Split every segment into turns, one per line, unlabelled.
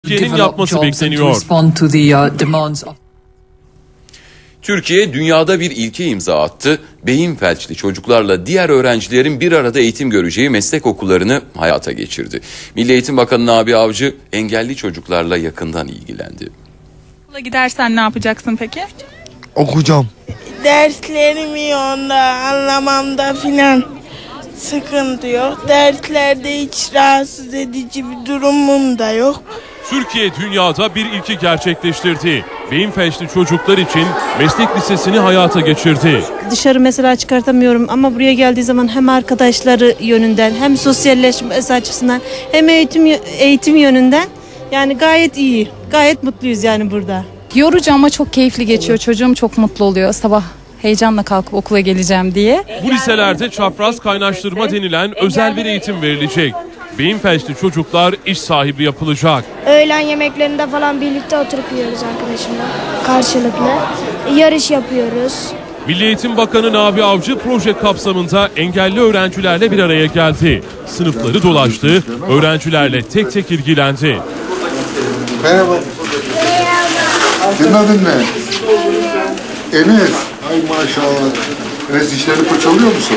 Türkiye'nin yapması bekleniyor.
Türkiye dünyada bir ilke imza attı. Beyin felçli çocuklarla diğer öğrencilerin bir arada eğitim göreceği meslek okullarını hayata geçirdi. Milli Eğitim Bakanı Nabi Avcı engelli çocuklarla yakından ilgilendi.
Okula gidersen ne yapacaksın peki?
Okuyacağım.
Derslerimi onda anlamamda filan sıkıntı yok. Derslerde hiç rahatsız edici bir durumum da yok.
Türkiye dünyada bir ilki gerçekleştirdi. Beyin felçli çocuklar için meslek lisesini hayata geçirdi.
Dışarı mesela çıkartamıyorum ama buraya geldiği zaman hem arkadaşları yönünden hem sosyalleşmesi açısından hem eğitim yönünden yani gayet iyi. Gayet mutluyuz yani burada.
Yorucu ama çok keyifli geçiyor. Çocuğum çok mutlu oluyor sabah heyecanla kalkıp okula geleceğim diye.
Bu liselerde çapraz kaynaştırma denilen özel bir eğitim verilecek. Beyin felçli çocuklar iş sahibi yapılacak.
Öğlen yemeklerinde falan birlikte oturup yiyoruz arkadaşımla karşılıklı. Yarış yapıyoruz.
Milli Eğitim Bakanı Nabi Avcı proje kapsamında engelli öğrencilerle bir araya geldi. Sınıfları dolaştı, öğrencilerle tek tek ilgilendi.
Merhaba. Senin adın ne? Enes. Ay maşallah. Enes dişlerini fırçalıyor musun?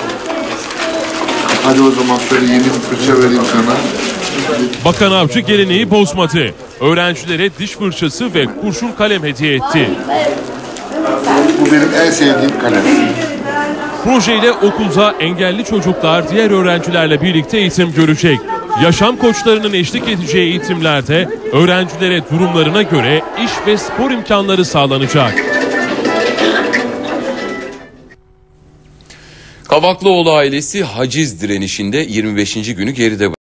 Hadi o zaman şöyle yeni bir fırça vereyim sana.
Bakan Avcı geleneği bozmadı. Öğrencilere diş fırçası ve kurşun kalem hediye etti.
Bu benim en sevdiğim kalem.
Projeyle okulda engelli çocuklar diğer öğrencilerle birlikte eğitim görecek. Yaşam koçlarının eşlik edeceği eğitimlerde öğrencilere durumlarına göre iş ve spor imkanları sağlanacak.
Kavaklıoğlu ailesi haciz direnişinde 25. günü geride bıraktı.